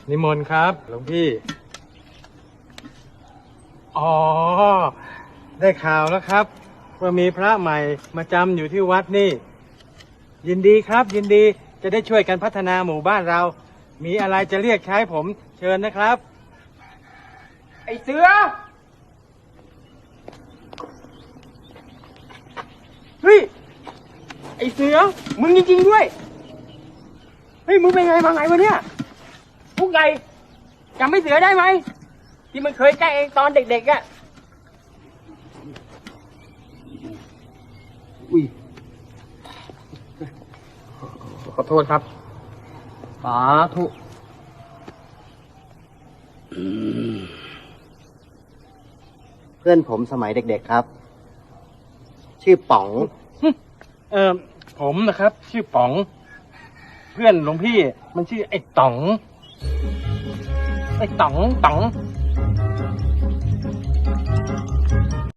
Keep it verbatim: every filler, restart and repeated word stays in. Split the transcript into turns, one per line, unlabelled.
นิมนต์ครับหลวงพี่อ๋อได้ข่าวแล้วครับว่ามีพระใหม่มาจำอยู่ที่วัดนี่ยินดีครับยินดีจะได้ช่วยกันพัฒนาหมู่บ้านเรามีอะไรจะเรียกใช้ผมเชิญนะครับไอเสือเฮ้ยไอเสือมึงจริงๆด้วยเฮ้ยมึงเป็นไงมาไงวะเนี่ยพวกใหญ่จำไม่เสือได้ไหมที่มันเคยแกล้งเองตอนเด็กๆอ่ะอุ้ยขอโทษครับสาธุ
เพื่อนผมสมัยเด็กๆครับ ชื่อป๋อง
เออผมนะครับชื่อป๋องเพื่อนหลวงพี่มันชื่อไอ้ต๋องไอ้ต๋องต๋อง